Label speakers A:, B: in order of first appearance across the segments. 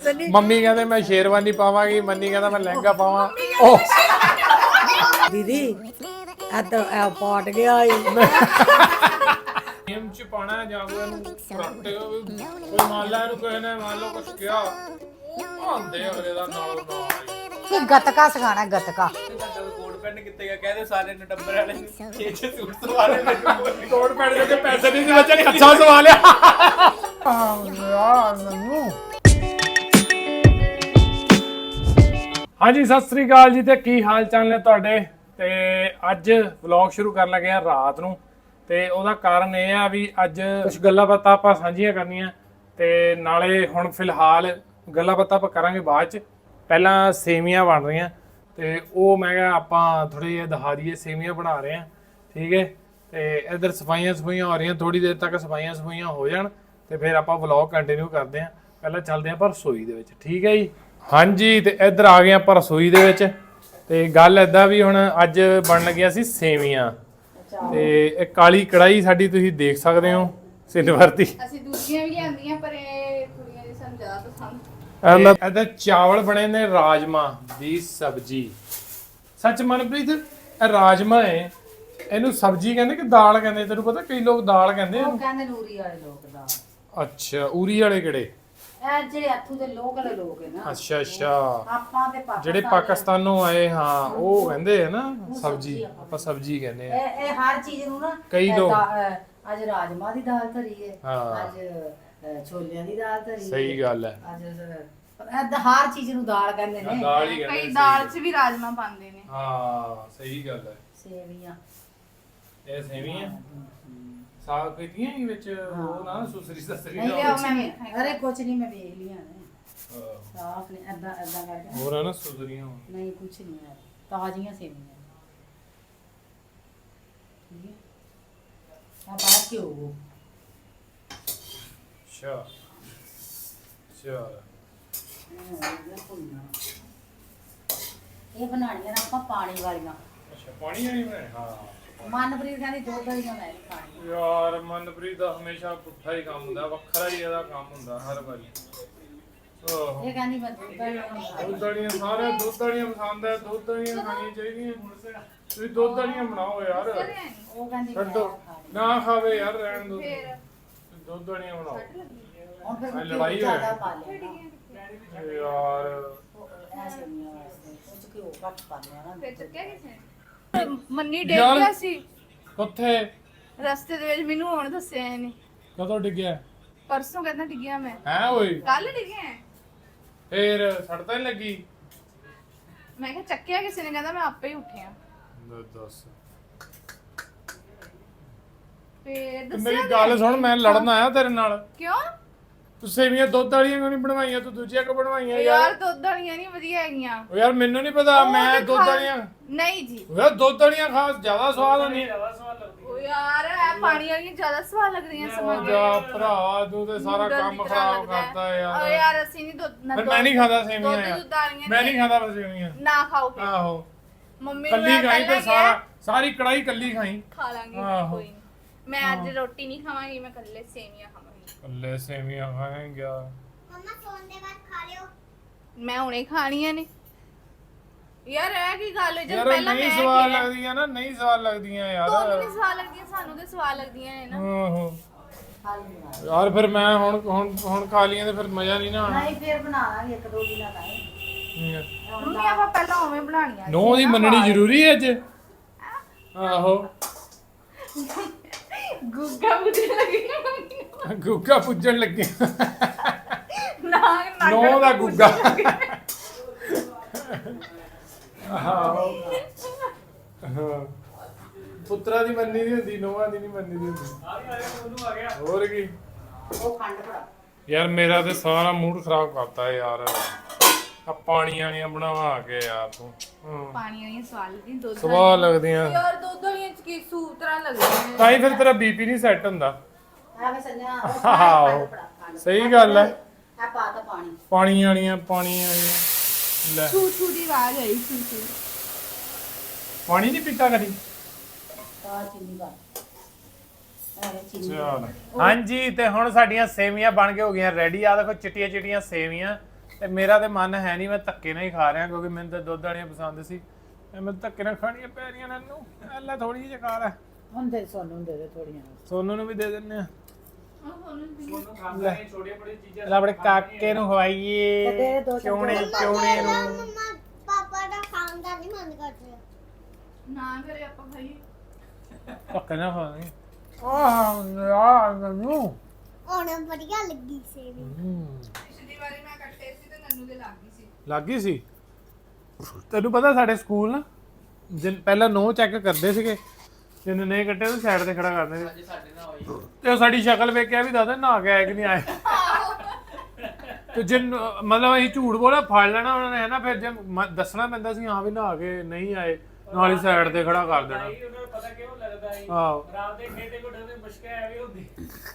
A: Mummy ਕਹਿੰਦੇ ਮੈਂ ਸ਼ੇਰਵਾਨੀ ਪਾਵਾਂਗੀ, ਮੰਨੀ ਕਹਿੰਦਾ ਮੈਂ ਲਹਿੰਗਾ ਪਾਵਾਂ। ਉਹ
B: ਦੀਦੀ ਆ ਤਾਂ ਪਾਟ ਗਿਆ ਈ
A: ਗੇਮ ਚ ਪਾਣਾ ਜਾਂ ਕੋਈ ਇਹਨੂੰ ਕਰੱਟ ਕੋਈ ਮੰਨ ਲਾ ਇਹਨੂੰ ਕਿਸੇ ਨੇ ਮੰਨ ਲਓ ਕੁਛ ਕਿਹਾ ਆਂਦੇ ਅਗਲੇ ਦਾ ਨਾਲ
B: ਕਿ ਗਤਕਾ ਸਿਖਾਣਾ ਗਤਕਾ
C: ਕੋਟ ਪੈਂਟ ਕਿੱਥੇ ਗਿਆ ਕਹਿੰਦੇ ਸਾਰੇ ਨੇ ਟੱਬਰ ਵਾਲੇ ਨੇ 6 ਸੂਟ ਸਵਾ ਲਏ ਨੇ
A: ਕੋਟ ਪੈਣ ਦੇ ਕੇ ਪੈਸੇ ਨਹੀਂ ਸੀ ਬੱਚੇ ਨੇ ਅੱਛਾ ਸਵਾ ਲਿਆ। ਹਾਂਜੀ ਸਤਿ ਸ੍ਰੀ ਅਕਾਲ ਜੀ ਤੇ ਕੀ ਹਾਲ ਚਾਲ ਨੇ ਤੁਹਾਡੇ। ਤੇ ਅੱਜ ਵਲੌਗ ਸ਼ੁਰੂ ਕਰਨ ਲੱਗੇ ਆ ਰਾਤ ਨੂੰ ਤੇ ਉਹਦਾ ਕਾਰਨ ਇਹ ਆ ਵੀ ਅੱਜ ਕੁਝ ਗੱਲਾਂ ਬਾਤਾਂ ਆਪਾਂ ਸਾਂਝੀਆਂ ਕਰਨੀਆਂ ਤੇ ਨਾਲੇ ਹੁਣ ਫਿਲਹਾਲ ਗੱਲਾਂ ਬਾਤਾਂ ਆਪਾਂ ਕਰਾਂਗੇ ਬਾਅਦ ਚ। ਪਹਿਲਾਂ ਸੇਵੀਆਂ ਬਣ ਰਹੀਆਂ ਤੇ ਉਹ ਮੈਂ ਕਿਹਾ ਆਪਾਂ ਥੋੜੇ ਜਿਹਾ ਦਿਖਾ ਦਈਏ ਸੇਵੀਆਂ ਬਣਾ ਰਹੇ ਆ, ਠੀਕ ਹੈ। ਤੇ ਇਧਰ ਸਫਾਈਆਂ ਹੋ ਰਹੀਆਂ, ਥੋੜੀ ਦੇਰ ਤੱਕ ਸਫਾਈਆਂ ਹੋ ਜਾਣ ਤੇ ਫਿਰ ਆਪਾਂ ਵਲੌਗ ਕੰਟੀਨਿਊ ਕਰਦੇ ਆ। ਪਹਿਲਾਂ ਚੱਲਦੇ ਆਪਾਂ ਰਸੋਈ ਦੇ ਵਿੱਚ, ਠੀਕ ਹੈ ਜੀ। ਹਾਂਜੀ ਤੇ ਇੱਧਰ ਆ ਗਏ ਆਪਾਂ ਰਸੋਈ ਦੇ ਵਿੱਚ ਤੇ ਗੱਲ ਇਦਾਂ ਵੀ ਹੁਣ ਅੱਜ ਬਣ ਲੱਗੀਆਂ ਸੀ ਸੇਵੀਆਂ ਤੇ ਇਹ ਕਾਲੀ ਕੜਾਈ ਸਾਡੀ ਤੁਸੀਂ ਦੇਖ ਸਕਦੇ ਹੋ ਸਿਲਵਰ ਦੀ।
D: ਅਸੀਂ ਦੂਜੀਆਂ ਵੀ ਲਿਆਂਦੀਆਂ ਪਰ ਇਹ ਕੁੜੀਆਂ ਦੀ ਸਾਨੂੰ ਜ਼ਿਆਦਾ ਪਸੰਦ।
A: ਇਹਦਾ ਚਾਵਲ ਬਣੇ ਨੇ ਰਾਜਮਾ ਦੀ ਸਬਜੀ। ਸੱਚ ਮਨਪ੍ਰੀਤ ਇਹ ਰਾਜਮਾ ਹੈ, ਇਹਨੂੰ ਸਬਜੀ ਕਹਿੰਦੇ ਕਿ ਦਾਲ ਕਹਿੰਦੇ? ਤੈਨੂੰ ਪਤਾ ਕਈ ਲੋਕ ਦਾਲ ਕਹਿੰਦੇ
B: ਉਹ
A: ਇਹਨੂੰ।
B: ਕਹਿੰਦੇ ਨੂਰੀ ਵਾਲੇ ਲੋਕ ਦਾ
A: ਅੱਛਾ ਉਰੀ ਵਾਲੇ ਕਿਹੜੇ?
B: ਇਹ ਜਿਹੜੇ ਇੱਥੋਂ ਦੇ ਲੋਕਲ ਲੋਕ ਹੈ ਨਾ।
A: ਅੱਛਾ
B: ਆਪਾਂ ਤੇ
A: ਜਿਹੜੇ ਪਾਕਿਸਤਾਨੋਂ ਆਏ, ਹਾਂ ਉਹ ਕਹਿੰਦੇ ਆ ਨਾ ਸਬਜੀ, ਆਪਾਂ ਸਬਜੀ ਕਹਿੰਦੇ ਆ।
B: ਇਹ ਹਰ ਚੀਜ਼ ਨੂੰ ਨਾ
A: ਕਈ ਲੋਕ
B: ਅੱਜ ਰਾਜਮਾ ਦੀ ਦਾਲ ਧਰੀ ਹੈ,
A: ਹਾਂ।
B: ਅੱਜ ਛੋਲਿਆਂ ਦੀ ਦਾਲ ਧਰੀ ਹੈ।
A: ਸਹੀ ਗੱਲ ਹੈ।
B: ਅੱਜ ਹਰ ਚੀਜ਼ ਨੂੰ ਦਾਲ ਕਹਿੰਦੇ ਨੇ।
A: ਦਾਲ ਹੀ ਕਹਿੰਦੇ
D: ਕਈ ਦਾਲ 'ਚ ਵੀ ਰਾਜਮਾ ਪਾਉਂਦੇ ਨੇ।
A: ਹਾਂ ਸਹੀ ਗੱਲ ਹੈ।
B: ਸੇਵੀਆਂ
A: ਇਹ ਸੇਵੀਆਂ ਸਾਗ ਪੀਤੀਆਂ ਹੀ ਵਿੱਚ ਉਹ ਨਾ ਸੁਸਰੀ ਸਸਰੀ
B: ਨਹੀਂ
A: ਦਾ
B: ਲਿਆ ਮੈਂ ਅਰੇ ਕੁਛ ਨਹੀਂ ਮੈਂ ਵੇਖ ਲਿਆ ਨੇ ਸਾਫ ਨੇ ਐਦਾਂ ਕਰਕੇ
A: ਹੋਰ ਆ ਨਾ ਸੁਸਰੀਆਂ
B: ਨਹੀਂ ਕੁਛ ਨਹੀਂ ਹੈ, ਤਾਜ਼ੀਆਂ ਸੇਵੀਆਂ ਠੀਕ ਹੈ। ਆ ਬਾਅਦ ਕੀ ਹੋਊ
A: ਅੱਛਾ
B: ਇਹ ਬਣਾਣੀਆਂ ਨੇ ਆਪਾਂ ਪਾਣੀ ਵਾਲੀਆਂ।
A: ਅੱਛਾ ਪਾਣੀ ਵਾਲੀ ਬਣਾਏ। ਹਾਂ
B: ਮਨਪ੍ਰੀਤ ਕਹਿੰਦੀ ਦੁੱਧ ਵਾਲੀਆਂ ਮੈਂ ਨਹੀਂ ਖਾਣੀ।
A: ਯਾਰ ਮਨਪ੍ਰੀਤ ਦਾ ਹਮੇਸ਼ਾ ਪੁੱਠਾ ਹੀ ਕੰਮ ਹੁੰਦਾ, ਵੱਖਰਾ ਹੀ ਇਹਦਾ ਕੰਮ ਹੁੰਦਾ ਹਰ ਵਾਰੀ।
B: ਇਹ ਕਹਿੰਦੀ ਮੈਂ ਦੁੱਧ ਵਾਲੀਆਂ ਨਹੀਂ ਖਾਣੀ।
A: ਦੁੱਧ ਵਾਲੀਆਂ ਸਾਰੇ ਦੁੱਧ ਵਾਲੀਆਂ ਪਸੰਦ ਹੈ, ਦੁੱਧ ਵਾਲੀਆਂ ਖਾਣੀਆਂ ਚਾਹੀਦੀਆਂ। ਤੁਸੀਂ ਦੁੱਧ ਵਾਲੀਆਂ ਬਣਾਓ ਯਾਰ।
B: ਉਹ ਕਹਿੰਦੀ ਮੈਂ
A: ਛੱਡੋ ਨਾ ਖਾਵੇ ਯਾਰ, ਰਹਿਣ ਦੋ। ਦੁੱਧ ਵਾਲੀਆਂ ਬਣਾਓ।
B: ਹੁਣ ਫਿਰ
A: ਲੜਾਈ
B: ਜ਼ਿਆਦਾ
A: ਹੋਏ
B: ਪਾ ਲੈਣਾ
A: ਯਾਰ।
B: ਇਹ ਸੇਵੀਆਂ ਵਾਸਤੇ ਉਹ ਚ ਘਿਓ ਘੱਟ ਪਾਉਂਦੇ ਆ ਨਾ।
D: ਫਿਰ ਚੱਕਿਆ ਕਿਸੇ ਨੇ? ਮੰਨੀ ਡਿੱਗ ਗਿਆ ਸੀ
A: ਕਿੱਥੇ?
D: ਰਸਤੇ ਦੇ ਵਿੱਚ, ਮੈਨੂੰ ਹੁਣ ਦੱਸਿਆ ਇਹਨੇ।
A: ਕਦੋਂ ਡਿੱਗਿਆ?
D: ਪਰਸੋਂ ਕਹਿੰਦਾ ਡਿੱਗਿਆ ਮੈਂ।
A: ਹੈ ਓਏ
D: ਕੱਲ ਡਿੱਗਿਆ।
A: ਫੇਰ ਸੜਤਾ ਨਹੀਂ ਲੱਗੀ?
D: ਮੈਂ ਕਿਹਾ ਚੱਕਿਆ ਕਿਸੇ ਨੇ, ਕਹਿੰਦਾ ਮੈਂ ਆਪੇ ਹੀ ਉੱਠਿਆ।
A: ਦੱਸ
D: ਫੇਰ
A: ਤੇ
D: ਦੱਸਿਆ
A: ਮੇਰੀ ਗੱਲ ਸੁਣ, ਮੈਂ ਲੜਨ ਆਇਆ ਤੇਰੇ ਨਾਲ।
D: ਕਿਉਂ?
A: ਤੂੰ ਸੇਵੀਆਂ ਦੁੱਧ ਵਾਲੀਆਂ ਕਿਉਂ ਨਹੀਂ ਬਣਵਾਈਆਂ? ਤੂੰ ਦੂਜੀਆਂ ਕਿਉਂ ਬਣਵਾਈਆਂ
D: ਯਾਰ
A: ਯਾਰ?
D: ਦੁੱਧ ਵਾਲੀਆਂ ਨਹੀਂ ਵਧੀਆ ਹੈਗੀਆਂ।
A: ਉਹ ਯਾਰ ਮੈਨੂੰ ਨਹੀਂ ਪਤਾ,
D: ਉਹ
A: ਮੈਂ
D: ਤੇ
A: ਦੁੱਧ
D: ਖਾ-
A: ਵਾਲੀਆਂ।
D: ਨਹੀਂ ਜੀ
A: ਉਹ ਯਾਰ ਦੁੱਧ ਵਾਲੀਆਂ ਖਾਸ ਜ਼ਿਆਦਾ ਸਵਾਦ ਹੁੰਦੀਆਂ।
D: ਉਹ ਯਾਰ ਇਹ ਪਾਣੀ ਵਾਲੀਆਂ ਜ਼ਿਆਦਾ ਸਵਾਦ ਲੱਗਦੀਆਂ
A: ਉਹ
D: ਸਮਾਂ
A: ਜਾ ਭਰਾ, ਤੂੰ ਤੇ ਸਾਰਾ
D: ਨੂਡਲ
A: ਕੰਮ
D: ਦੀ ਤਰ੍ਹਾਂ
A: ਖਰਾਬ
D: ਲੱਗਦਾ ਹੈ।
A: ਕਰਤਾ
D: ਓ
A: ਯਾਰ।
D: ਯਾਰ ਅਸੀਂ ਨਹੀਂ ਦੁੱਧ ਨਾ
A: ਫਿਰ ਮੈਂ ਨਹੀਂ ਖਾਂਦਾ ਸੇਵੀਆਂ
D: ਦੁੱਧ
A: ਯਾਰ।
D: ਦੁੱਧ ਵਾਲੀਆਂ
A: ਮੈਂ ਨਹੀਂ ਖਾਂਦਾ ਸੇਵੀਆਂ।
D: ਨਾ ਖਾਓ ਫਿਰ।
A: ਆਹੋ
D: ਮੰਮੀ ਨੂੰ
A: ਕੱਲੀ
D: ਮੈਂ
A: ਖਾਈ ਤੇ
D: ਪਹਿਲਾਂ ਕਿਹਾ,
A: ਸਾਰੀ ਕੜਾਈ ਕੱਲੀ ਖਾਈ।
D: ਖਾ ਲਾਂਗੀ
A: ਆਹੋ।
D: ਕੋਈ ਨੀ। ਮੈਂ ਅੱਜ ਰੋਟੀ ਨਹੀਂ ਖਾਵਾਂਗੀ, ਮੈਂ ਕੱਲੇ ਸੇਵੀਆਂ ਖਾਵਾਂਗੀ।
A: ਕੱਲੇ ਸੇਵੀਆਂ ਖਾਏਂਗਾ।
E: ਮਮਾ ਸੌਣ ਦੇ ਬਾਅਦ ਖਾ ਲਿਓ।
D: ਮੈਂ ਹੁਣੇ ਖਾਣੀਆਂ ਨੇ। ਯਾਰ ਇਹ ਕੀ ਗੱਲ ਹੈ? ਜਦ
A: ਯਾਰ
D: ਪਹਿਲਾਂ
A: ਨਹੀਂ
D: ਮੈਂ
A: ਸਵਾਦ
D: ਕਿਹਾ
A: ਲੱਗਦੀਆਂ ਨਾ, ਨਹੀਂ ਸਵਾਦ ਲੱਗਦੀਆਂ ਯਾਰ।
D: ਤੁਹਾਨੂੰ ਨਹੀਂ ਸਵਾਦ ਲੱਗਦੀਆਂ, ਸਾਨੂੰ ਤੇ ਸਵਾਦ ਲੱਗਦੀਆਂ ਨੇ ਨਾ।
A: ਆਹੋ
B: ਖਾ ਲਈ
A: ਯਾਰ ਫਿਰ ਮੈਂ ਹੁਣ ਖਾ ਲੀਆਂ ਤੇ ਫਿਰ ਮਜ਼ਾ ਨਹੀਂ ਨਾ ਆਣਾ।
B: ਨਹੀਂ ਫਿਰ ਬਣਾ ਲਾਂਗੇ ਇੱਕ ਦੋ ਦਿਨਾਂ ਤੱਕ।
D: ਮੰਮੀ ਆਪਾਂ ਪਹਿਲਾਂ ਉਵੇਂ ਬਣਾਉਣੀਆਂ
A: ਨੋ ਦੀ ਮੰਨਣੀ ਜ਼ਰੂਰੀ ਹੈ ਅੱਜ। ਆਹੋ
D: ਗੁੱਗਾ ਬੁੱਝਣ ਲੱਗੀ ਨਾ ਮੰਮੀ ਨੂੰ।
A: ਗੁੱਗਾ ਪੁੱਜਣ ਲੱਗੇ।
D: ਨਾ
A: ਨੋ ਦਾ ਗੁੱਗਾ। ਆਹੋ ਪੁੱਤਰਾ ਦੀ ਮੰਨੀ ਦੀ ਹੁੰਦੀ, ਨੋਹਾਂ ਦੀ ਨਹੀਂ ਮੰਨੀ ਦੀ ਹੁੰਦੀ। ਹੋਰ ਕੀ
B: ਉਹ ਖੰਡ ਭਰਾ
A: ਯਾਰ, ਮੇਰਾ ਤੇ ਸਾਰਾ ਮੂਡ ਖਰਾਬ ਕਰਤਾ ਯਾਰ। ਆ ਪਾਣੀ ਵਾਲੀਆਂ ਬਣਾਵਾ ਕੇ ਯਾਰ ਤੂੰ।
D: ਪਾਣੀ ਵਾਲੀਆਂ ਸਵਾਦ ਲੱਗਦੀਆਂ, ਦੁੱਧ
A: ਸਵਾਦ ਲੱਗਦੀਆਂ
D: ਯਾਰ ਦੁੱਧ ਵਾਲੀਆਂ ਚ ਕੀ ਸੂਪ ਤਰ੍ਹਾਂ ਲੱਗਦੀਆਂ
A: ਤਾਂ ਹੀ ਫਿਰ ਤੇਰਾ ਬੀਪੀ ਨਹੀਂ ਸੈੱਟ ਹੁੰਦਾ।
B: ਐਵੇਂ ਸੰਜਾ
A: ਆਹੋ ਸਹੀ ਗੱਲ ਹੈ।
B: ਆ ਪਾ ਤਾ ਪਾਣੀ।
A: ਪਾਣੀ ਵਾਲੀਆਂ ਲੈ
D: ਛੂ ਛੂ ਦੀ ਆਵਾਜ਼ ਆਈ, ਛੂ ਛੂ।
A: ਪਾਣੀ ਨਹੀਂ ਪੀਤਾ ਕਦੀ?
B: ਤਾਂ ਚੀਨੀ ਪਾ ਐਵੇਂ ਚੀਨੀ
A: ਚਲ ਹਾਂਜੀ, ਤੇ ਹੁਣ ਸਾਡੀਆਂ ਸੇਵੀਆਂ ਬਣ ਕੇ ਹੋ ਗਈਆਂ ਰੈਡੀ। ਆ ਦੇਖੋ ਚਿੱਟੀਆਂ ਚਿੱਟੀਆਂ ਸੇਵੀਆਂ ਤੇ ਮੇਰਾ ਤੇ ਮਨ ਹੈ ਨਹੀਂ, ਮੈਂ ਧੱਕੇ ਨਾਲ ਹੀ ਖਾ ਰਿਹਾ ਕਿਉਂਕਿ ਮੈਨੂੰ ਤਾਂ ਦੁੱਧ ਵਾਲੀਆਂ ਪਸੰਦ ਸੀ। ਮੈਂ ਧੱਕੇ ਨਾਲ ਖਾਣੀਆਂ ਪੈ ਰਹੀਆਂ ਨੇ ਇਹਨੂੰ। ਅੱਲਾ ਥੋੜੀ ਜਿਹੀ ਖਾ ਲੈ।
B: ਹੁਣ ਦੇ ਸੋਨੂੰ ਦੇ ਦੇ ਥੋੜੀਆਂ।
A: ਸੋਨੂੰ ਨੂੰ ਵੀ ਦੇ ਦਿੰਨੇ ਆ।
C: ਉਹਨੂੰ ਖਾਂਦਾ ਨਹੀਂ, ਛੋਟੀਆਂ ਬੜੀਆਂ ਚੀਜ਼ਾਂ
A: ਲੈ ਆਪਣੇ ਕਾਕੇ ਨੂੰ ਖਵਾਈਏ, ਚੋਣੇ ਚੋਣੇ ਨੂੰ।
E: ਮੰਮਾ ਪਾਪਾ ਦਾ ਖਾਣ ਦਾ ਨਹੀਂ ਮਨ ਕਰ ਰਿਹਾ।
D: ਨਾ ਕਰੇ ਆਪਾਂ ਖਾਈਏ।
A: ਧੱਕੇ ਨਾਲ ਖਾਣੀ। ਆਹ ਯਾਰ ਮੈਨੂੰ
E: ਹੁਣ ਵਧੀਆ ਲੱਗੀ ਸੇਵੀ।
D: ਪਿਛਲੀ ਵਾਰੀ ਮੈਂ ਕੱਟੇ ਸੀ ਤੇ ਨੰਨੂ ਦੇ ਲੱਗ ਗਈ ਸੀ।
A: ਲੱਗ ਗਈ ਸੀ। ਤੈਨੂੰ ਪਤਾ ਸਾਡੇ ਸਕੂਲ ਨਾ ਪਹਿਲਾਂ ਨੋ ਚੈੱਕ ਕਰਦੇ ਸੀਗੇ, ਜਿਹਨੇ ਨਹੀਂ ਕੱਟੇ ਉਹ ਸਾਈਡ ਤੇ ਖੜਾ ਕਰਦੇ ਸੀ।
C: ਅੱਜ ਸਾਡੇ ਨਾਲ ਹੋਈ।
A: ਤੇ ਉਹ ਸਾਡੀ ਸ਼ਕਲ ਵੇਖ ਕੇ ਵੀ ਦੱਸਦੇ ਨਹਾ ਕੇ ਆਏ ਕਿ ਨਹੀਂ ਆਏ। ਤੇ ਜਿਨ ਮਤਲਬ ਅਸੀਂ ਝੂਠ ਬੋਲਿਆ ਫੜ ਲੈਣਾ ਉਹਨਾਂ ਨੇ, ਹੈ ਨਾ। ਫਿਰ ਜੇ ਦੱਸਣਾ ਪੈਂਦਾ ਸੀ ਹਾਂ ਵੀ ਨਹਾ ਕੇ ਨਹੀਂ ਆਏ, ਨਾਲ ਹੀ ਸਾਈਡ ਤੇ ਖੜਾ ਕਰ ਦੇਣਾ।
C: ਉਹਨਾਂ ਨੂੰ ਪਤਾ ਕਿਉਂ ਲੱਗਦਾ ਹੈ
A: ਆਹੋ
C: ਰਾਤ ਦੇ ਖੇਤੇ ਕੋਲ ਦੇ ਮੁਸ਼ਕਿਲ ਐਵੇਂ ਹੁੰਦੀ।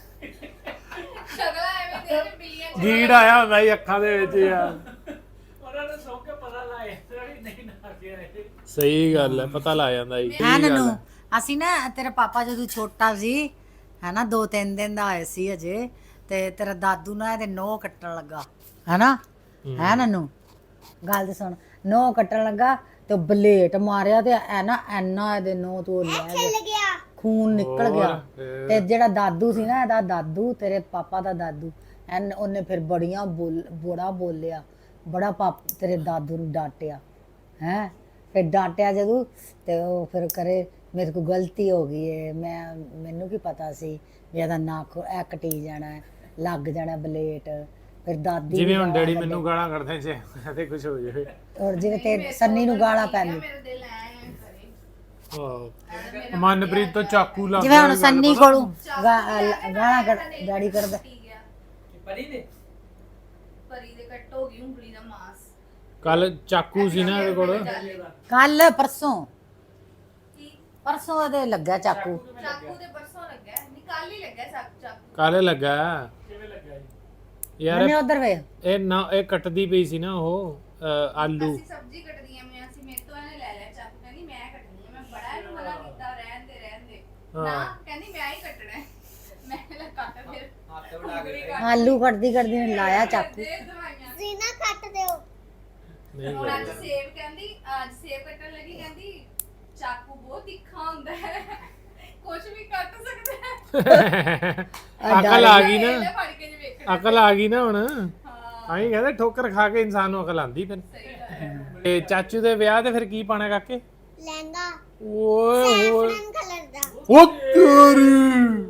D: ਸ਼ਕਲਾਂ ਐਵੇਂ ਦੇ ਨੇ ਬਿੱਲੀਆਂ ਚ।
A: ਗੀੜ ਆਇਆ ਹੁੰਦਾ ਸੀ ਅੱਖਾਂ ਦੇ ਵਿੱਚ ਯਾਰ।
C: ਉਹਨਾਂ ਨੂੰ ਸੌਂ ਕੇ ਪਤਾ ਲਾਇਆ ਨਹੀਂ ਨਾ ਕੇ ਆਏ।
A: ਸਹੀ ਗੱਲ ਹੈ, ਪਤਾ ਲੱਗ ਜਾਂਦਾ ਜੀ।
B: ਹੈ ਨਨੂ, ਅਸੀਂ ਨਾ ਤੇਰਾ ਪਾਪਾ ਜਦੋਂ ਛੋਟਾ ਸੀ ਹੈਨਾ 2-3 ਦਿਨ ਦਾ ਹੋਇਆ ਸੀ ਅਜੇ, ਤੇ ਤੇਰਾ ਦਾਦੂ ਨਾ ਇਹਦੇ ਨੋਹ ਕੱਟਣ ਲੱਗਾ ਹੈਨਾ। ਹੈ ਨਨੂ, ਗੱਲ ਤੇ ਸੁਣ। ਨੋਹ ਕੱਟਣ ਲੱਗਾ ਤੇ ਬਲੇਟ ਮਾਰਿਆ ਤੇ ਐਨਾ ਇਹਦੇ ਨੋਹ ਤੋਂ ਲੈ ਗਿਆ,
E: ਚੱਲ ਗਿਆ।
B: ਖੂਨ ਨਿਕਲ ਗਿਆ। ਤੇ ਜਿਹੜਾ ਦਾਦੂ ਸੀ ਨਾ, ਇਹਦਾ ਦਾਦੂ, ਤੇਰੇ ਪਾਪਾ ਦਾ ਦਾਦੂ, ਉਹਨੇ ਫਿਰ ਬੜਾ ਬੋਲਿਆ, ਬੜਾ ਤੇਰੇ ਦਾਦੂ ਨੂੰ ਡਾਂਟਿਆ ਹੈ। ਫਿਰ ਡਾਂਟਿਆ ਜਦੋਂ ਤੇ ਉਹ ਫਿਰ ਕਰੇ ਮੇਰੇ ਕੋਲ ਗਲਤੀ ਹੋ ਗਈ ਹੈ, ਮੈਨੂੰ ਕੀ ਪਤਾ ਸੀ ਵੀ ਇਹਦਾ ਨੱਕ ਇਹ ਕਟੀ ਜਾਣਾ ਹੈ, ਲੱਗ ਜਾਣਾ ਬਲੇਟ। ਫਿਰ ਦਾਦੀ
A: ਜਿਵੇਂ ਹੁਣ ਡੈਡੀ ਮੈਨੂੰ ਗਾਲਾਂ ਕੱਢਦੇ ਸੀ ਤੇ ਕੁਝ ਹੋ ਜਾਵੇ।
B: ਔਰ ਜਿਵੇਂ ਤੇ ਸੰਨੀ ਨੂੰ ਗਾਲਾਂ ਪੈਂਦੀ,
D: ਮੇਰੇ ਦਿਲ ਐ ਕਰੇ।
A: ਆਹ ਮਨਪ੍ਰੀਤ ਤੋਂ ਚਾਕੂ ਲੱਗ
B: ਜਿਵੇਂ ਹੁਣ ਸੰਨੀ ਕੋਲੋਂ ਗਾਲਾਂ ਡੈਡੀ ਕਰਦਾ।
D: ਠੀਕ ਗਿਆ
C: ਪਰੀ ਦੇ
D: ਪਰੀ ਦੇ ਕੱਟ ਹੋ ਗਈ ਉਂਗਲੀ ਦਾ ਮਾਸ।
A: ਕੱਲ ਚਾਕੂ ਸੀ ਨਾ ਇਹਦੇ ਕੋਲ।
B: ਕੱਲ ਪਰਸੋਂ
D: ਕੀ
B: ਪਰਸੋਂ ਇਹਦੇ ਲੱਗਾ ਚਾਕੂ।
D: ਚਾਕੂ ਦੇ ਪਰਸੋਂ ਲੱਗਾ ਨਿਕਾਲ ਹੀ ਲੱਗਾ ਚਾਕੂ।
A: ਕਾਲੇ ਲੱਗਾ
C: ਕਿਵੇਂ ਲੱਗਾ ਜੀ?
A: ਯਾਰ
B: ਮੈਨੇ ਉਧਰ ਵੇ
A: ਇਹ ਨਾ ਇਹ ਕੱਟਦੀ ਪਈ ਸੀ ਨਾ ਉਹ ਆਲੂ।
D: ਅਸੀਂ ਸਬਜ਼ੀ ਕੱਟਦੀਆਂ ਮੈਂ ਅਸੀਂ ਮੇਰੇ ਤੋਂ ਇਹਨੇ ਲੈ ਲਿਆ ਚਾਕੂ, ਕਹਿੰਦੀ ਮੈਂ ਕੱਟਣੀ ਹੈ। ਮੈਂ ਬੜਾ ਇਹਨੂੰ ਮਨਾ ਕੀਤਾ ਰਹਿਣ ਦੇ ਨਾ, ਕਹਿੰਦੀ ਮੈਂ ਹੀ ਕੱਟਣਾ ਹੈ। ਮੈਂ ਲੈ ਕੱਟ ਫਿਰ
C: ਹੱਥ ਬਣਾ ਕੇ
B: ਆਲੂ ਕੱਟਦੀ ਨੇ ਲਾਇਆ ਚਾਕੂ।
D: ਦੇ ਦਵਾਈਆਂ।
E: ਜ਼ੀਨਾ ਕੱਟ ਦਿਓ।
A: ਨਹੀਂ
D: ਹੁਣ ਅੱਜ ਸੇਬ ਕਹਿੰਦੀ, ਅੱਜ ਸੇਬ ਕੱਟਣ ਲੱਗੀ, ਕਹਿੰਦੀ ਚਾਕੂ ਬਹੁਤ ਤਿੱਖਾ ਹੁੰਦਾ ਹੈ, ਕੁਝ ਵੀ ਕੱਟ ਸਕਦਾ ਹੈ।
A: ਅਕਲ ਆ ਗਈ
D: ਇਹਨੇ
A: ਨਾ,
D: ਫੜ ਕੇ ਜੇ ਵੇਖਣਾ।
A: ਅਕਲ ਆ ਗਈ ਨਾ ਹੁਣ।
D: ਹਾਂ
A: ਆਈ ਕਹਿੰਦੇ ਠੋਕਰ ਖਾ ਕੇ ਇਨਸਾਨ ਨੂੰ ਅਕਲ ਆਂਦੀ ਫਿਰ।
D: ਸਹੀ ਗੱਲ ਹੈ।
A: ਤੇ ਚਾਚੂ ਦੇ ਵਿਆਹ ਤੇ ਫਿਰ ਕੀ ਪਾਣਾ ਕਾਕੇ?
E: ਲਹਿੰਗਾ
A: ਓਏ ਓਏ
E: ਸੈਫਰਨ ਕਲਰ ਦਾ।
A: ਉਹ ਤੇਰੀ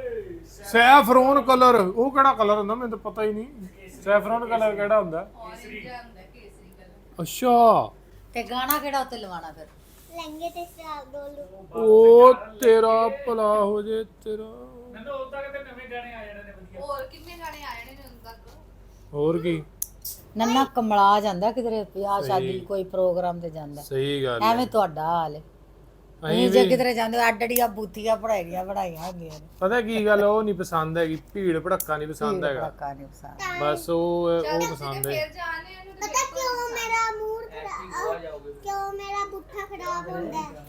A: ਸੈਫਰੋਨ ਕਲਰ। ਉਹ ਕਿਹੜਾ ਕਲਰ ਹੁੰਦਾ? ਮੈਨੂੰ ਤਾਂ ਪਤਾ ਹੀ ਨਹੀਂ ਸੈਫਰੋਨ ਕਲਰ ਕਿਹੜਾ ਹੁੰਦਾ।
D: orange ਜਿਹਾ ਹੁੰਦਾ ਕੇਸਰੀ ਕਲਰ।
A: ਅੱਛਾ
B: ਤੇ ਗਾਣਾ ਕਿਹੜਾ ਉੱਤੇ ਲਵਾਣਾ ਫਿਰ?
E: ਲਹਿੰਗੇ ਤੇ ਸਟਾਰ ਡੋਲੂ।
A: ਉਹ ਤੇਰਾ ਭਲਾ ਹੋ ਜੇ ਤੇਰਾ।
C: ਮੈਨੂੰ ਉਦਾਂ ਕਿਤੇ ਨਵੇਂ ਗਾਣੇ ਆ ਜਾਣੇ ਨੇ ਵਧੀਆ।
D: ਹੋਰ ਕਿੰਨੇ ਗਾਣੇ ਆਏ ਨੇ ਹੁਣ ਤੱਕ?
A: ਹੋਰ ਕੀ
B: ਨੰਨਾ ਕਮਲਾ ਜਾਂਦਾ ਕਿਧਰੇ ਵਿਆਹ ਸ਼ਾਦੀ ਕੋਈ ਪ੍ਰੋਗਰਾਮ ਤੇ ਜਾਂਦਾ।
A: ਸਹੀ ਗੱਲ
B: ਐਵੇਂ ਤੁਹਾਡਾ ਹਾਲ ਹੈ। ਅਸੀਂ ਜੇ ਕਿਧਰੇ ਜਾਂਦੇ ਅੱਡੜੀਆਂ ਬੂਥੀਆਂ ਬਣਾਈਆਂ ਹੁੰਦੀਆਂ ਨੇ।
A: ਪਤਾ ਕੀ ਗੱਲ, ਉਹ ਨਹੀਂ ਪਸੰਦ ਹੈਗੀ, ਭੀੜ ਭੜੱਕਾ ਨਹੀਂ ਪਸੰਦ ਹੈਗਾ।
B: ਪੜਾਕਾ ਨਹੀਂ ਪਸੰਦ।
A: ਬਸ ਉਹ ਪਸੰਦ ਹੈ।
D: ਫਿਰ ਜਾਣੇ ਇਹਨੂੰ ਤੇ
E: ਪਤਾ ਕਿਉਂ ਮੇਰਾ ਮੂਡ
C: ਆ ਜਾਓਗੇ
E: ਕਿਉਂ ਮੇਰਾ ਪੁੱਠਾ ਖਰਾਬ ਹੁੰਦਾ ਹੈ?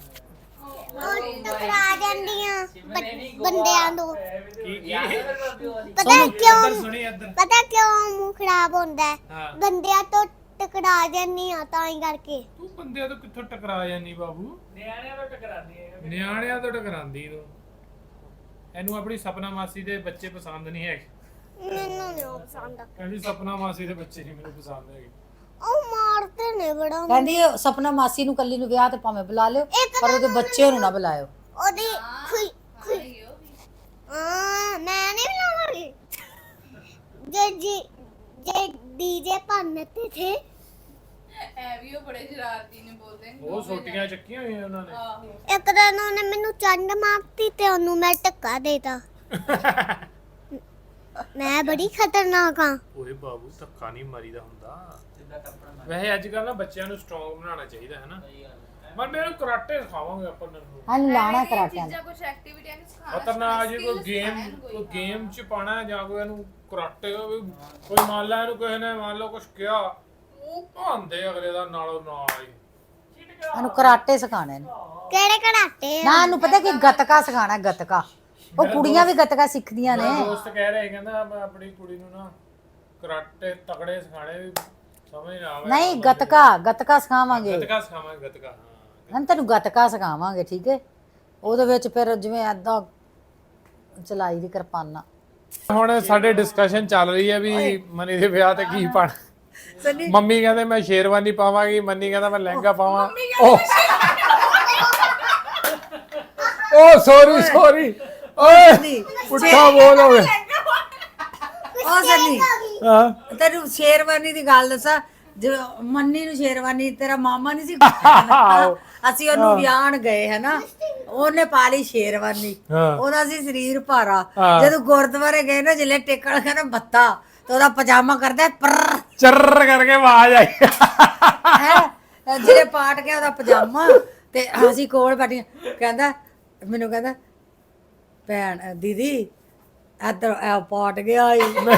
E: ਉਹ ਟਕਰਾ ਜਾਂਦੀਆਂ ਬੰਦਿਆਂ ਤੋਂ। ਪਤਾ ਕਿਉਂ
A: ਸੁਣੀ ਇੱਧਰ।
E: ਪਤਾ ਕਿਉਂ ਮੂੰਹ ਖਰਾਬ ਹੁੰਦਾ ਹੈ?
A: ਹਾਂ।
E: ਬੰਦਿਆਂ ਤੋਂ ਟਕਰਾ ਜਾਂਦੀਆਂ ਤਾਂ ਹੀ ਕਰਕੇ।
A: ਤੂੰ ਬੰਦਿਆਂ ਤੋਂ ਕਿੱਥੋਂ ਟਕਰਾ ਜਾਨੀ ਬਾਬੂ?
C: ਨਿਆਣਿਆਂ ਤੋਂ ਟਕਰਾਉਂਦੀ ਹੈ।
A: ਨਿਆਣਿਆਂ ਤੋਂ ਟਕਰਾਂਦੀ ਤੂੰ। ਇਹਨੂੰ ਆਪਣੀ ਸਪਨਾ ਮਾਸੀ ਦੇ ਬੱਚੇ ਪਸੰਦ ਨਹੀਂ ਹੈਗੇ।
E: ਮੈਨੂੰ ਨਹੀਂ ਪਸੰਦ।
A: ਕਹਿੰਦੀ ਸਪਨਾ ਮਾਸੀ ਦੇ ਬੱਚੇ ਨਹੀਂ ਮੈਨੂੰ ਪਸੰਦ ਹੈਗੇ।
E: ਉਹ ਮਾਰਦੇ ਨੇ ਬੜਾ।
B: ਕਹਿੰਦੀ ਸਪਨਾ ਮਾਸੀ ਨੂੰ ਕੱਲੀ ਨੂੰ ਵਿਆਹ ਤੇ ਭਾਵੇਂ ਬੁਲਾ ਲਿਓ, ਪਰ ਉਹਦੇ ਬੱਚੇ ਨੂੰ ਨਾ ਬੁਲਾਇਓ।
E: ਉਹਦੀ ਖੁਈ
D: ਆਈ ਉਹ ਵੀ।
E: ਮੈਂ ਨਹੀਂ ਬੁਲਾਵਾਂਗੀ। ਜੇ ਡੀਜੇ ਪੰਨਤੇ ਥੇ।
D: ਐ ਵੀ ਉਹ ਬੜੇ ਸ਼ਰਾਰਤੀ ਨੇ ਬੋਲਦੇ ਨੇ।
A: ਉਹ ਛੋਟੀਆਂ ਚੱਕੀਆਂ ਹੋਈਆਂ ਉਹਨਾਂ ਨੇ।
D: ਆਹੋ
E: ਇੱਕ ਦਿਨ ਉਹਨੇ ਮੈਨੂੰ ਚੰਡ ਮਾਰਤੀ ਤੇ ਉਹਨੂੰ ਮੈਂ ਧੱਕਾ ਦੇਤਾ। ਮੈਂ ਬੜੀ ਖਤਰਨਾਕ ਹਾਂ।
A: ਓਏ ਬਾਬੂ ਧੱਕਾ ਨਹੀਂ ਮਾਰੀਦਾ ਹੁੰਦਾ।
C: ਸਿੱਧਾ ਟੱਪਣਾ
A: ਵੈਸੇ ਅੱਜ ਕੱਲ ਨਾ ਬੱਚਿਆਂ ਨੂੰ ਸਟਰੋਂਗ ਬਣਾਉਣਾ ਚਾਹੀਦਾ ਹੈ ਨਾ। ਪਰ ਮੈਨੂੰ ਕਰਾਟੇ ਸਿਖਾਵਾਂਗੇ ਆਪਾਂ ਨੂੰ।
B: ਹਨ ਲਾਣਾ ਕਰਾਟਿਆਂ
D: ਚੀਜ਼ਾਂ ਕੁਝ ਐਕਟੀਵਿਟੀਆਂ ਨੂੰ ਸਿਖਾਉਣਾ।
A: ਖਤਰਨਾਕ ਜੀ ਕੋਈ ਗੇਮ ਚ ਪਾਣਾ ਜਾਂ ਕੋਈ ਇਹਨੂੰ ਕਰਾਟੇ ਕੋਈ ਮੰਨ ਲਾ ਇਹਨੂੰ ਕਿਸੇ ਨੇ ਮੰਨ ਲਓ ਕੁਝ ਕਿਹਾ ਉਹ ਭਾਂਦੇ ਅਗਲੇ ਦਾ ਨਾਲੋਂ ਨਾਲ ਹੀ।
B: ਇਹਨੂੰ ਕਰਾਟੇ ਸਿਖਾਣੇ ਨੇ।
E: ਕਿਹੜੇ ਕੜਾਟੇ?
B: ਨਾ ਇਹਨੂੰ ਪਤਾ ਕਿ ਗੱਤਕਾ ਸਿਖਾਣਾ, ਗੱਤਕਾ। ਉਹ ਕੁੜੀਆਂ ਵੀ ਗੱਤਕਾ ਸਿੱਖਦੀਆਂ ਨੇ।
A: ਮੇਰਾ ਦੋਸਤ ਕਹਿ ਰਿਹਾ ਕਹਿੰਦਾ ਮੈਂ ਆਪਣੀ ਕੁੜੀ ਨੂੰ ਨਾ ਕਰਾਟੇ ਤਕੜੇ ਸਿਖਾਣੇ ਵੀ ਸਮਝ ਨਾ ਆਵੇ।
B: ਨਹੀਂ ਗੱਤਕਾ ਸਿਖਾਵਾਂਗੇ।
A: ਗੱਤਕਾ ਸਿਖਾਵਾਂਗੇ, ਗੱਤਕਾ ਹਾਂ।
B: ਹਾਂ ਤੈਨੂੰ ਗੱਤਕਾ ਸਿਖਾਵਾਂਗੇ, ਠੀਕ ਹੈ। ਉਹਦੇ ਵਿੱਚ ਫਿਰ ਜਿਵੇਂ ਐਦਾਂ ਚਲਾਈ ਦੀ ਕਿਰਪਾਨਾਂ।
A: ਹੁਣ ਸਾਡੇ ਡਿਸਕਸ਼ਨ ਚੱਲ ਰਹੀ ਹੈ ਵੀ ਮਨੀ ਦੇ ਵਿਆਹ ਤੇ ਕੀ ਪਾਣਾ। ਮੰਮੀ ਕਹਿੰਦੇ ਮੈਂ ਸ਼ੇਰਵਾਨੀ ਪਾਵਾਂਗੀ, ਮੰਨੀ ਕਹਿੰਦਾ ਮੈਂ ਲਹਿੰਗਾ ਪਾਵਾਂ। ਓ ਸੌਰੀ ਓਏ ਪੁੱਠਾ ਬੋਲ ਹੋਵੇ।
B: ਉਹ ਸਨੀ
A: ਹਾਂ
B: ਤੈਨੂੰ ਸ਼ੇਰਵਾਨੀ ਦੀ ਗੱਲ ਦੱਸਾਂ, ਜਦੋਂ ਮੰਨੀ ਨੂੰ ਸ਼ੇਰਵਾਨੀ ਤੇਰਾ ਮਾਮਾ ਨਹੀਂ ਸੀ ਅਸੀਂ ਉਹਨੂੰ ਵਿਆਹਣ ਗਏ ਹਨਾ, ਉਹਨੇ ਪਾ ਲਈ ਸ਼ੇਰਵਾਨੀ, ਉਹਦਾ ਸੀ ਸਰੀਰ ਭਾਰਾ। ਜਦੋਂ ਗੁਰਦੁਆਰੇ ਗਏ ਨਾ ਜਿਲੇ ਟੇਕਣ ਗਏ ਨਾ ਮੱਥਾ, ਤੇ ਉਹਦਾ ਪਜਾਮਾ ਕਰਦਾ
A: ਚਰ ਕਰਕੇ ਆਵਾਜ਼ ਆਈ
B: ਹੈ ਜਿਹੜੇ ਪਾਟ ਗਿਆ ਉਹਦਾ ਪਜਾਮਾ। ਤੇ ਅਸੀਂ ਕੋਲ ਬੈਠੀਆਂ, ਕਹਿੰਦਾ ਮੈਨੂੰ ਕਹਿੰਦਾ ਭੈਣ ਦੀਦੀ ਇੱਧਰ ਪਾਟ ਗਿਆ ਈ।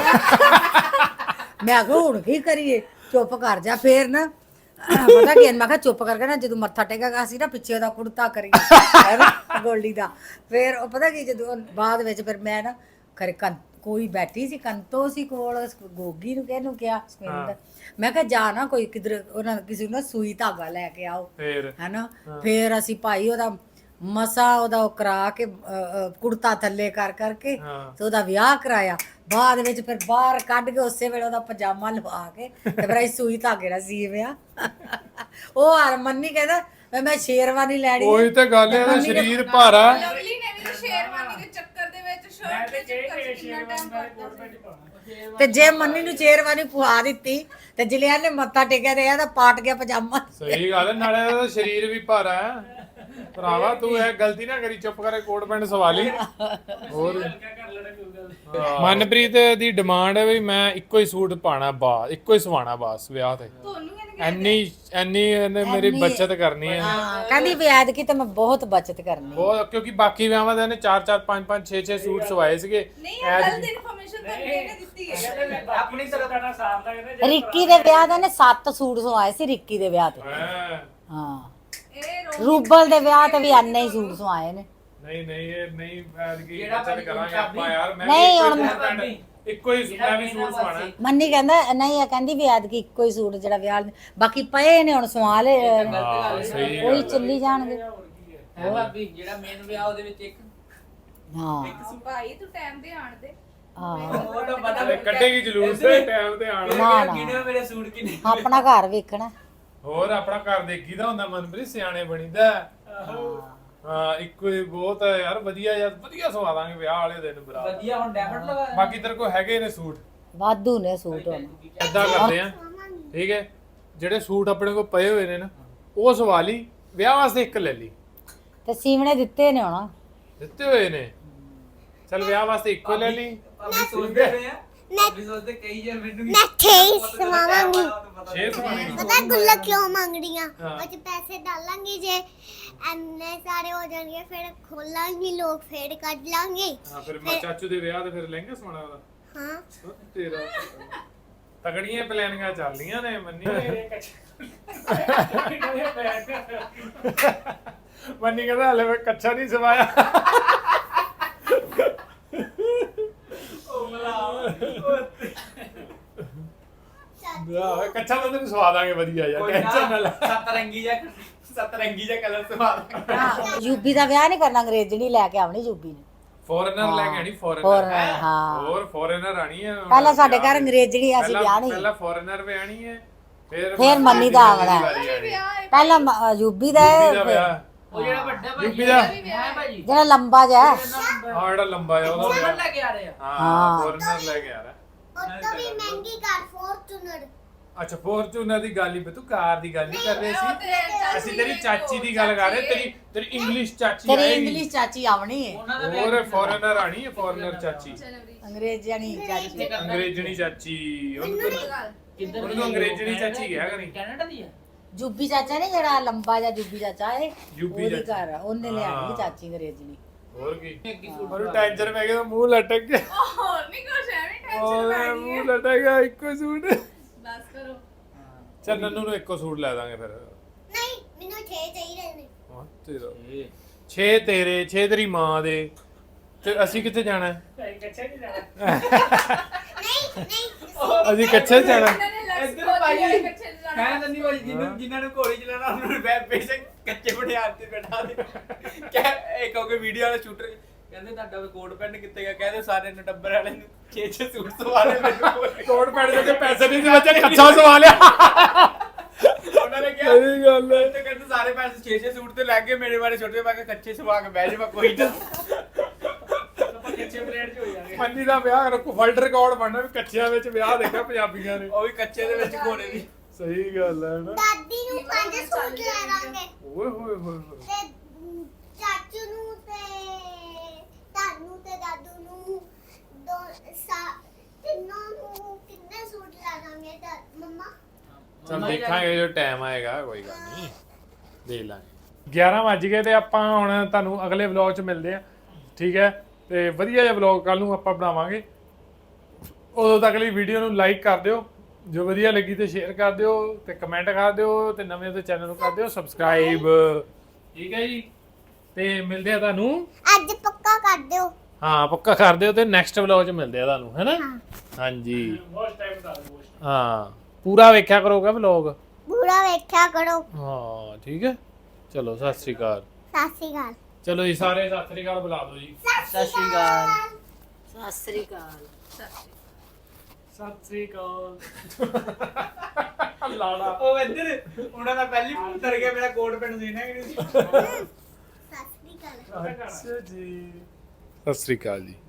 B: ਮੈਂ ਕਿਹਾ ਹੁਣ ਕੀ ਕਰੀਏ, ਚੁੱਪ ਕਰ ਜਾ। ਫੇਰ ਨਾ ਪਤਾ ਕੀ ਮੈਂ ਕਿਹਾ ਚੁੱਪ ਕਰਕੇ ਨਾ ਜਦੋਂ ਮੱਥਾ ਟੇਕੇਗਾ ਅਸੀਂ ਨਾ ਪਿੱਛੇ ਉਹਦਾ ਕੁੜਤਾ ਕਰੀਏ ਗੋਲਡੀ ਦਾ। ਫੇਰ ਉਹ ਪਤਾ ਕੀ ਜਦੋਂ ਬਾਅਦ ਵਿੱਚ ਫਿਰ ਮੈਂ ਨਾ ਖਰੇ ਕੋਈ ਬੈਠੀ ਸੀ ਕੰਤੋ ਸੀ ਕੋਲ, ਗੋਗੀ ਨੂੰ ਕਿਹਨੂੰ ਕਿਹਾ ਸੁਖਿੰਦਰ, ਮੈਂ ਕਿਹਾ ਜਾ ਨਾ ਕੋਈ ਕਿਧਰ ਉਹਨਾਂ ਕਿਸੇ ਨੂੰ ਨਾ ਸੂਈ ਧਾਗਾ ਲੈ ਕੇ ਆਓ ਹੈਨਾ। ਫੇਰ ਅਸੀਂ ਭਾਈ ਉਹਦਾ ਮਸਾ ਉਹਦਾ ਉਹ ਕਰਾ ਕੇ ਕੁੜਤਾ ਥੱਲੇ ਕਰ ਕਰਕੇ ਤੇ ਉਹਦਾ ਵਿਆਹ ਕਰਾਇਆ। ਬਾਅਦ ਵਿੱਚ ਫਿਰ ਬਾਹਰ ਕੱਢ ਕੇ ਉਸੇ ਵੇਲੇ ਉਹਦਾ ਪਜਾਮਾ ਲਵਾ ਕੇ ਤੇ ਫਿਰ ਅਸੀਂ ਸੂਈ ਧਾਗੇ ਨਾਲ ਸੀਵਿਆ। ਉਹ ਹਰਮਨੀ ਕਹਿੰਦਾ ਮੈਂ ਸ਼ੇਰਵਾਨੀ ਲੈਣੀ।
A: ਉਹੀ ਤੇ ਗੱਲ ਹੈ, ਇਹਦਾ ਸਰੀਰ ਭਾਰਾ।
D: ਲਵਲੀ ਨੇ ਵੀ ਸ਼ੇਰਵਾਨੀ ਦੇ ਚੱਕਰ ਦੇ ਵਿੱਚ ਸ਼ਰਟ ਤੇ ਚੱਕਰ ਕਿੰਨਾ ਟਾਈਮ ਕਰਦਾ ਸੀ।
B: ਤੇ ਜੇ ਮੰਨੀ ਨੂੰ ਸ਼ੇਰਵਾਨੀ ਪੁਆ ਦਿੱਤੀ ਤੇ ਜਿਲਿਆ ਨੇ ਮੱਥਾ ਟੇਕਿਆ ਤੇ ਇਹਦਾ ਪਾਟ ਗਿਆ ਪਜਾਮਾ।
A: ਸਹੀ ਗੱਲ ਹੈ, ਨਾਲੇ ਇਹਦਾ ਸਰੀਰ ਵੀ ਭਾਰਾ ਹੈ। ਭਰਾਵਾ ਤੂੰ ਇਹ ਗਲਤੀ ਨਾ ਕਰੀ, ਚੁੱਪ ਕਰਕੇ ਕੋਟ ਪੈਂਟ ਸਵਾ ਲਈ। ਹੋਰ ਮਨਪ੍ਰੀਤ ਦੀ ਡਿਮਾਂਡ ਹੈ ਵੀ ਮੈਂ ਇੱਕੋ ਹੀ ਸੂਟ ਪਾਣਾ, ਬਾਸ ਇੱਕੋ ਹੀ ਸਵਾਣਾ ਬਾਸ ਵਿਆਹ ਤੇ। ਐਨੀ ਇਹਨੇ ਮੇਰੀ ਬੱਚਤ ਕਰਨੀ ਹੈ।
B: ਹਾਂ ਕਹਿੰਦੀ ਵੀ ਐਤਕੀ ਤਾਂ ਮੈਂ ਬਹੁਤ ਬੱਚਤ ਕਰਨੀ
A: ਬਹੁਤ, ਕਿਉਂਕਿ ਬਾਕੀ ਵਿਆਹਾਂ ਦੇ ਇਹਨੇ 4-4 5-5 6-6 ਸੂਟ ਸਵਾਏ ਸੀਗੇ।
D: ਨਹੀਂ ਇਹ ਗਲਤ ਇਨਫੋਰਮੇਸ਼ਨ ਤਾਂ ਇਹਨੇ ਦਿੱਤੀ ਹੈ।
C: ਆਪਣੀ ਤਰਫ ਦਾ ਸਾਫ ਲੱਗਦਾ।
B: ਰਿੱਕੀ ਦੇ ਵਿਆਹ ਦੇ ਨੇ 7 ਸੂਟ ਸਵਾਏ ਸੀ ਰਿੱਕੀ ਦੇ ਵਿਆਹ ਤੇ। ਹਾਂ ਰੂਬਲ ਦੇ ਵਿਆਹ ਤੇ ਵੀ ਐਨੇ ਹੀ ਸੂਟ ਸਵਾਏ ਨੇ।
A: ਨਹੀਂ ਇਹ ਨਹੀਂ ਐਤਕੀ ਬੱਚਤ ਕਰਾਂਗੇ ਆਪਾਂ ਯਾਰ। ਮੈਂ
B: ਨਹੀਂ ਹੁਣ
A: ਇੱਕੋ ਹੀ ਮੈਂ ਵੀ ਸੂਟ ਸਵਾਣਾ।
B: ਮੰਨੀ ਕਹਿੰਦਾ ਨਹੀਂ ਇਹ ਕਹਿੰਦੀ ਵੀ ਐਤਕੀ ਇੱਕੋ ਹੀ ਸੂਟ ਜਿਹੜਾ ਵਿਆਹ ਬਾਕੀ ਪਏ ਨੇ ਹੁਣ ਸਵਾ ਲੈ, ਉਹੀ ਚੱਲੀ ਜਾਣਗੇ।
C: ਹੈ ਭਾਬੀ ਜਿਹੜਾ ਮੇਨ ਵਿਆਹ ਉਹਦੇ ਵਿੱਚ ਇੱਕ
B: ਹਾਂ
D: ਭਾਈ ਤੂੰ ਟਾਈਮ ਤੇ ਆਣ ਦੇ।
B: ਹਾਂ
C: ਉਹ ਤਾਂ ਪਤਾ
A: ਕੱਢੇਗੀ ਜਲੂਸ ਤੇ ਟਾਈਮ ਤੇ ਆਣ।
B: ਨਾ
C: ਕਿਹਨੇ ਮੇਰੇ ਸੂਟ ਕਿੰਨੇ
B: ਆਪਣਾ ਘਰ ਵੇਖਣਾ।
A: ਹੋਰ ਆਪਣਾ ਘਰ ਦੇਖੀਦਾ ਹੁੰਦਾ ਮਨਪ੍ਰੀਤ, ਸਿਆਣੇ ਬਣੀਦਾ। ਹਾਂ ਇੱਕੋ ਹੀ ਬਹੁਤ ਹੈ ਯਾਰ। ਵਧੀਆ ਯਾਰ, ਵਧੀਆ ਸਵਾ ਦਾਂਗੇ ਵਿਆਹ ਵਾਲੇ ਦਿਨ ਬਰਾ।
C: ਵਧੀਆ ਹੁਣ ਡੈਮਟ ਲਗਾ।
A: ਬਾਕੀ ਤੇਰੇ ਕੋਲ ਹੈਗੇ ਨੇ ਸੂਟ
B: ਵਾਧੂ ਨੇ ਸੂਟ ਹੁਣ।
A: ਏਦਾਂ ਕਰਦੇ ਆ, ਠੀਕ ਹੈ, ਜਿਹੜੇ ਸੂਟ ਆਪਣੇ ਕੋਲ ਪਏ ਹੋਏ ਨੇ ਨਾ ਉਹ ਸਵਾ ਲਈ, ਵਿਆਹ ਵਾਸਤੇ ਇੱਕ ਲੈ ਲਈ।
B: ਤੇ ਸੀਵਣੇ ਦਿੱਤੇ ਨੇ ਹੁਣ,
A: ਦਿੱਤੇ ਹੋਏ ਨੇ। ਚਲ ਵਿਆਹ ਵਾਸਤੇ ਇੱਕੋ ਲੈ ਲਈ।
C: ਭਾਬੀ ਸੋਚਦੇ ਰਹੇ ਆ, ਭਾਬੀ ਸੋਚਦੇ ਕਈ ਯਾਰ ਮੈਨੂੰ
E: ਮੈਂ 6 ਸਵਾਵਾਂਗੀ।
A: 6 ਸਵਾਣੇ।
E: ਪਤਾ ਗੁੱਲਾ ਕਿਉਂ ਮੰਗ ਰਹੀਆਂ? ਉਹ ਚ ਪੈਸੇ ਡਾਲਾਂਗੇ, ਜੇ ਐਨੇ ਸਾਰੇ ਹੋ ਜਾਣਗੇ ਫਿਰ ਖੋਲਾਂਗੇ, ਲੋਕ ਫੇਰ ਕੱਢ ਲਾਂਗੇ।
A: ਹਾਂ ਫਿਰ ਮੈਂ ਚਾਚੂ ਦੇ ਵਿਆਹ ਤੇ ਫਿਰ ਲਹਿੰਗਾ ਸਵਾਣਾ ਉਹਦਾ।
E: ਹਾਂ
A: ਤੇਰਾ ਤਗੜੀਆਂ ਪਲੈਨਿੰਗਾਂ ਚੱਲਦੀਆਂ ਨੇ ਮੰਨੀ। ਮੰਨੀ ਕਹਿੰਦਾ ਹਲੇ ਮੈਂ ਕੱਚਾ ਨਹੀਂ ਸਵਾਇਆ। ਕੱਚਾ ਤਾਂ ਤੈਨੂੰ ਸਵਾ ਦਾਂਗੇ ਵਧੀਆ ਯਾਰ, ਟੈਨਸ਼ਨ ਨਾ ਲੈ।
C: ਸਤਰੰਗੀ ਜਿਹਾ ਕਲਰ ਸਵਾ ਦਾਂਗੇ।
B: ਯੂਬੀ ਦਾ ਵਿਆਹ ਨਹੀਂ ਕਰਨਾ, ਅੰਗਰੇਜ਼ਣੀ ਲੈ ਕੇ ਆਉਣੀ ਯੂਬੀ ਨੇ।
A: ਫੋਰਨਰ ਲੈ ਕੇ ਆਣੀ,
B: ਫੋਰਨਰ,
A: ਫੋਰਨਰ।
B: ਹਾਂ
A: ਹੋਰ ਫੋਰਨਰ ਆਣੀ ਹੈ।
B: ਪਹਿਲਾਂ ਸਾਡੇ ਘਰ ਅੰਗਰੇਜ਼ਣੀ ਅਸੀਂ ਵਿਆਹ ਨਹੀਂ,
A: ਪਹਿਲਾਂ ਫੋਰਨਰ ਵੀ ਆਣੀ ਹੈ,
B: ਫਿਰ ਮੰਨੀ ਦਾ ਆਉਣਾ। ਪਹਿਲਾਂ ਯੂਬੀ ਦਾ
A: ਵਿਆਹ।
C: ਉਹ ਜਿਹੜਾ ਵੱਡਾ ਭਾਈ
A: ਯੂਪੀ ਦਾ
C: ਹੈ ਭਾਜੀ,
B: ਜਿਹੜਾ ਲੰਬਾ ਜਿਹਾ।
A: ਹਾਂ ਜਿਹੜਾ ਲੰਬਾ ਆ ਉਹਦਾ
C: ਫੋਰਨ ਲੈ ਕੇ ਆ ਰਹੇ ਆ।
A: ਹਾਂ ਫੋਰਨਰ ਲੈ ਕੇ ਆ ਰਿਹਾ।
E: ਉਹ ਤੋਂ ਵੀ ਮਹਿੰਗੀ ਕਾਰ ਫੋਰਚੂਨਰ।
A: ਅੱਛਾ ਫੋਰਚੂਨਰ ਦੀ ਗੱਲ ਹੀ, ਤੂੰ ਕਾਰ ਦੀ ਗੱਲ ਨਹੀਂ ਕਰ ਰਹੇ ਸੀ। ਅਸੀਂ ਤੇਰੀ ਚਾਚੀ ਦੀ ਗੱਲ ਕਰ ਰਹੇ। ਤੇਰੀ ਇੰਗਲਿਸ਼ ਚਾਚੀ
B: ਤੇਰੀ
A: ਆਏਗੀ।
B: ਇੰਗਲਿਸ਼ ਚਾਚੀ ਆਉਣੀ ਹੈ।
C: ਉਹਨਾਂ ਦਾ
A: ਹੋਰ ਫੋਰਨਰ ਆਣੀ ਹੈ, ਫੋਰਨਰ ਚਾਚੀ,
B: ਅੰਗਰੇਜ਼ਣੀ ਚਾਚੀ।
A: ਅੰਗਰੇਜ਼ਣੀ ਚਾਚੀ।
C: ਕਿੱਧਰ
A: ਉਹਨੂੰ ਅੰਗਰੇਜ਼ਣੀ ਚਾਚੀ ਕਿਹਾ ਕਰੀ।
C: ਕੈਨੇਡਾ ਦੀ ਆ।
B: ਜੂਬੀ ਚਾਚਾ ਨੇ ਜਿਹੜਾ ਲੰਬਾ ਜਿਹਾ ਜੂਬੀ ਚਾਚਾ ਹੈ,
A: ਜੂਬੀ
B: ਉਹਦੀ
A: ਚਾਚਾ।
B: ਘਰ ਉਹਨੇ ਲਿਆਣੀ ਚਾਚੀ ਅੰਗਰੇਜ਼ਣੀ।
A: ਹੋਰ ਕੀ ਉਹਨੂੰ ਟੈਨਸ਼ਨ ਪੈ ਗਿਆ, ਮੂੰਹ ਲਟਕ ਗਿਆ।
D: ਹੋਰ ਨਹੀਂ ਕੁਛ ਐਵੇਂ ਟੈਨਸ਼ਨ ਪੈ ਗਈ
A: ਮੂੰਹ ਲਟਕ ਗਿਆ। ਇੱਕੋ ਸੂਟ।
D: ਬਸ ਕਰੋ।
A: ਚੱਲ ਨੰਨੂ ਨੂੰ ਇੱਕੋ ਸੂਟ ਲੈ ਦਾਂਗੇ ਫਿਰ।
E: ਨਹੀਂ ਮੈਨੂੰ 6 ਚਾਹੀਦੇ ਨੇ।
A: ਹਾਂ ਤੇਰਾ 6 ਤੇਰੇ 6 ਤੇਰੀ ਮਾਂ ਦੇ। ਤੇ ਅਸੀਂ ਕਿੱਥੇ ਜਾਣਾ ਹੈ?
E: ਨਹੀਂ
A: ਅਸੀਂ ਕੱਚੇ ਜਾਣਾ
C: ਇੱਧਰ ਭਾਈ ਕਹਿ ਦਿੰਦੀ ਭਾਈ ਜਿਨ੍ਹਾਂ ਨੂੰ ਘੋੜੀ ਚਲਾਉਣਾ ਉਹਨਾਂ ਨੂੰ ਬੇਸ਼ੱਕ ਕੱਚੇ ਬਿਠਾ ਤੇ ਬੈਠਾ ਦੇ ਕਹਿ ਇੱਕ ਹੋ ਕੇ ਵੀਡੀਓ ਵਾਲਾ ਸ਼ੂਟਰ ਕਹਿੰਦੇ ਤੁਹਾਡਾ ਕੋਟ ਪੈਂਟ ਕਿੱਥੇ ਗਿਆ ਕਹਿੰਦੇ ਸਾਰੇ ਨੇ ਟੱਬਰ ਵਾਲੇ ਨੂੰ 6 ਸੂਟ ਸਵਾ ਲਏ ਮੈਨੂੰ
A: ਕੋਟ ਪੈਂਟ ਦੇ ਕੇ ਪੈਸੇ ਨਹੀਂ ਸੀ ਬੱਚੇ ਕੱਚਾ ਸਵਾ ਲਿਆ
C: ਉਹਨਾਂ ਨੇ ਕਿਹਾ
A: ਸਹੀ ਗੱਲ ਹੈ।
C: ਤੇ ਕਹਿੰਦੇ ਸਾਰੇ ਪੈਸੇ 6 ਸੂਟ ਤੇ ਲੱਗ ਗਏ ਮੇਰੇ ਬਾਰੇ ਛੋਟੇ ਮੈਂ ਕਿਹਾ ਕੱਚੇ ਸਵਾ ਕੇ ਬਹਿ ਜਾ ਕੋਈ ਨਾ ਆਪਾਂ ਕੱਚੇ ਪਲੇਟ 'ਚ ਹੋ ਜਾਣਗੇ
A: ਮੰਨੀ ਦਾ ਵਿਆਹ ਰੱਖੋ ਵਰਲਡ ਰਿਕਾਰਡ ਬਣਨਾ ਵੀ ਕੱਚਿਆਂ ਵਿੱਚ ਵਿਆਹ ਦੇਖਿਆ ਪੰਜਾਬੀਆਂ ਨੇ।
C: ਉਹ ਵੀ ਕੱਚੇ ਦੇ ਵਿੱਚ ਘੋੜੇ ਦੀ
A: ਸਹੀ ਗੱਲ ਹੈ ਨਾ।
E: ਦਾਦੀ ਨੂੰ 5 ਸੂਟ ਲੈ ਦਾਂਗੇ
A: ਓਏ ਹੋਏ ਹੋਏ ਹੋਏ।
E: ਤੇ ਚਾਚੂ ਨੂੰ ਤੇ ਤਾਨੂੰ ਤੇ ਦਾਦੂ ਨੂੰ ਤਿੰਨੋਂ ਨੂੰ ਕਿੰਨੇ ਸੂਟ ਲੈ ਦਾਂਗੇ ਤਾਂ ਮੰਮਾ
A: ਚੱਲ ਦੇਖਾਂਗੇ ਜੋ ਟਾਈਮ ਆਏਗਾ ਕੋਈ ਗੱਲ ਨਹੀਂ ਦੇਖ ਲਾਂਗੇ। 11 ਵੱਜ ਗਏ ਤੇ ਆਪਾਂ ਹੁਣ ਤੁਹਾਨੂੰ ਅਗਲੇ ਵਲੌਗ 'ਚ ਮਿਲਦੇ ਆ ਠੀਕ ਹੈ ਤੇ ਵਧੀਆ ਜਿਹਾ ਵਲੌਗ ਕੱਲ ਨੂੰ ਆਪਾਂ ਬਣਾਵਾਂਗੇ। ਉਦੋਂ ਤੱਕ ਲਈ ਵੀਡੀਓ ਨੂੰ ਲਾਈਕ ਕਰ ਦਿਓ ਜੋ ਵਧੀਆ ਲੱਗੀ ਤੇ ਸ਼ੇਅਰ ਕਰ ਦਿਓ ਤੇ ਕਮੈਂਟ ਕਰ ਦਿਓ ਤੇ ਨਵੇਂ ਤੇ ਚੈਨਲ ਨੂੰ ਕਰ ਦਿਓ ਸਬਸਕ੍ਰਾਈਬ ਠੀਕ ਹੈ ਜੀ ਤੇ ਮਿਲਦੇ ਆ ਤੁਹਾਨੂੰ
E: ਅੱਜ ਪੱਕਾ ਕਰ ਦਿਓ
A: ਹਾਂ ਪੱਕਾ ਕਰ ਦਿਓ ਤੇ ਨੈਕਸਟ ਵਲੌਗ 'ਚ ਮਿਲਦੇ ਆ ਤੁਹਾਨੂੰ ਹੈਨਾ ਹਾਂਜੀ ਹਾਂ ਪੂਰਾ ਵੇਖਿਆ ਕਰੋਗਾ ਵਲੌਗ
E: ਪੂਰਾ ਵੇਖਿਆ ਕਰੋ
A: ਹਾਂ ਠੀਕ ਹੈ ਚਲੋ ਸਤਿ ਸ੍ਰੀ ਅਕਾਲ
E: ਸਤਿ ਸ਼੍ਰੀ ਅਕਾਲ
A: ਚਲੋ ਜੀ ਸਾਰੇ ਸਤਿ ਸ੍ਰੀ ਅਕਾਲ ਬੁਲਾ ਦਿਓ ਜੀ
E: ਸਤਿ ਸ਼੍ਰੀ ਅਕਾਲ
B: ਸਤਿ ਸ੍ਰੀ ਅਕਾਲ
A: ਸਤਿ ਸ੍ਰੀ ਅਕਾਲ ਲਾੜਾ
C: ਉਹ ਇੱਧਰ ਉਹਨਾਂ ਦਾ ਪਹਿਲੀ ਉਤਰ ਗਿਆ ਮੇਰਾ ਕੋਟ ਪੈਂਟ ਸੀ ਨਾ ਕਿ ਨਹੀਂ ਸੀ
E: ਸਤਿ ਸ਼੍ਰੀ ਅਕਾਲ
A: ਅੱਛਾ ਜੀ ਸਤਿ ਸ੍ਰੀ ਅਕਾਲ ਜੀ